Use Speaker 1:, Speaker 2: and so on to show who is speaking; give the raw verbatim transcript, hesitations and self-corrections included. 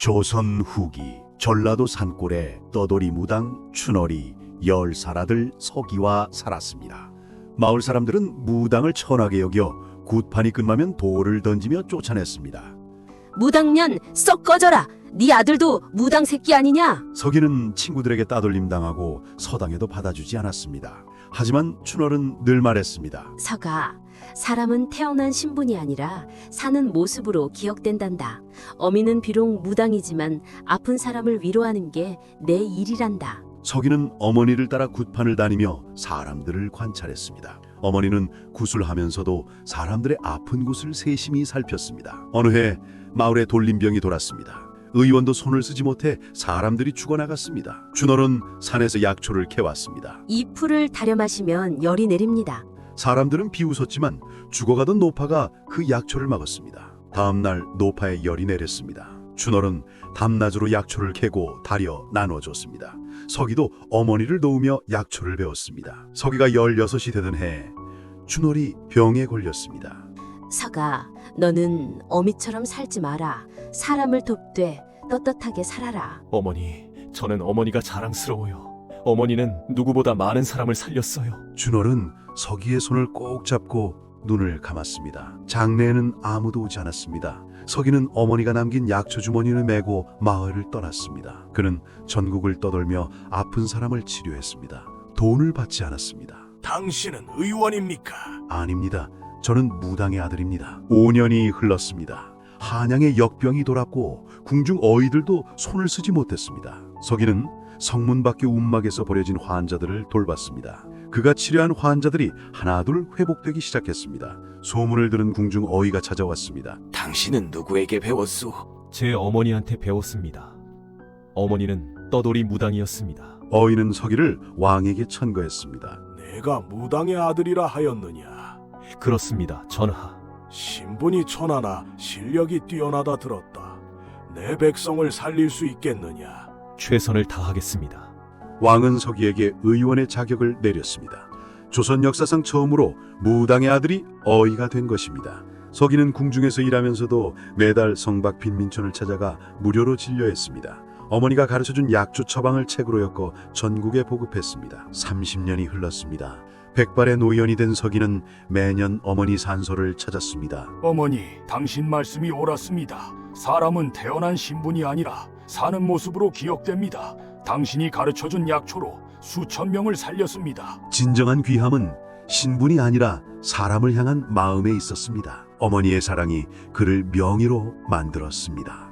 Speaker 1: 조선 후기 전라도 산골에 떠돌이 무당 춘월이 열 살아들 서기와 살았습니다. 마을 사람들은 무당을 천하게 여겨 굿판이 끝나면 돌을 던지며 쫓아냈습니다.
Speaker 2: 무당년 썩 꺼져라. 네 아들도 무당 새끼 아니냐?
Speaker 1: 서기는 친구들에게 따돌림 당하고 서당에도 받아주지 않았습니다. 하지만 춘월은 늘 말했습니다.
Speaker 2: 서가, 사람은 태어난 신분이 아니라 사는 모습으로 기억된단다. 어미는 비록 무당이지만 아픈 사람을 위로하는 게 내 일이란다.
Speaker 1: 서기는 어머니를 따라 굿판을 다니며 사람들을 관찰했습니다. 어머니는 굿을 하면서도 사람들의 아픈 곳을 세심히 살폈습니다. 어느 해 마을에 돌림병이 돌았습니다. 의원도 손을 쓰지 못해 사람들이 죽어나갔습니다. 춘월은 산에서 약초를 캐왔습니다.
Speaker 2: 이 풀을 다려 마시면 열이 내립니다.
Speaker 1: 사람들은 비웃었지만 죽어가던 노파가 그 약초를 막았습니다. 다음 날 노파에 열이 내렸습니다. 춘월은 밤낮으로 약초를 캐고 다려 나눠줬습니다. 서기도 어머니를 도우며 약초를 배웠습니다. 서기가 열여섯이 되던 해 춘월이 병에 걸렸습니다.
Speaker 2: 서가, 너는 어미처럼 살지 마라. 사람을 돕되 떳떳하게 살아라.
Speaker 3: 어머니, 저는 어머니가 자랑스러워요. 어머니는 누구보다 많은 사람을 살렸어요.
Speaker 1: 춘월은 서기의 손을 꼭 잡고 눈을 감았습니다. 장례에는 아무도 오지 않았습니다. 서기는 어머니가 남긴 약초 주머니를 메고 마을을 떠났습니다. 그는 전국을 떠돌며 아픈 사람을 치료했습니다. 돈을 받지 않았습니다.
Speaker 4: 당신은 의원입니까?
Speaker 1: 아닙니다. 저는 무당의 아들입니다. 오 년이 흘렀습니다. 한양에 역병이 돌았고 궁중 어이들도 손을 쓰지 못했습니다. 서기는 성문 밖의 움막에서 버려진 환자들을 돌봤습니다. 그가 치료한 환자들이 하나둘 회복되기 시작했습니다. 소문을 들은 궁중 어이가 찾아왔습니다.
Speaker 4: 당신은 누구에게 배웠소?
Speaker 3: 제 어머니한테 배웠습니다. 어머니는 떠돌이 무당이었습니다.
Speaker 1: 어이는 서기를 왕에게 천거했습니다.
Speaker 4: 내가 무당의 아들이라 하였느냐?
Speaker 3: 그렇습니다, 전하.
Speaker 4: 신분이 천하나 실력이 뛰어나다 들었다. 내 백성을 살릴 수 있겠느냐?
Speaker 3: 최선을 다하겠습니다.
Speaker 1: 왕은 서기에게 의원의 자격을 내렸습니다. 조선 역사상 처음으로 무당의 아들이 어이가 된 것입니다. 서기는 궁중에서 일하면서도 매달 성박 빈민촌을 찾아가 무료로 진료했습니다. 어머니가 가르쳐준 약초 처방을 책으로 엮어 전국에 보급했습니다. 삼십 년이 흘렀습니다. 백발의 노연이 된 서기는 매년 어머니 산소를 찾았습니다.
Speaker 4: 어머니, 당신 말씀이 옳았습니다. 사람은 태어난 신분이 아니라 사는 모습으로 기억됩니다. 당신이 가르쳐준 약초로 수천 명을 살렸습니다.
Speaker 1: 진정한 귀함은 신분이 아니라 사람을 향한 마음에 있었습니다. 어머니의 사랑이 그를 명의로 만들었습니다.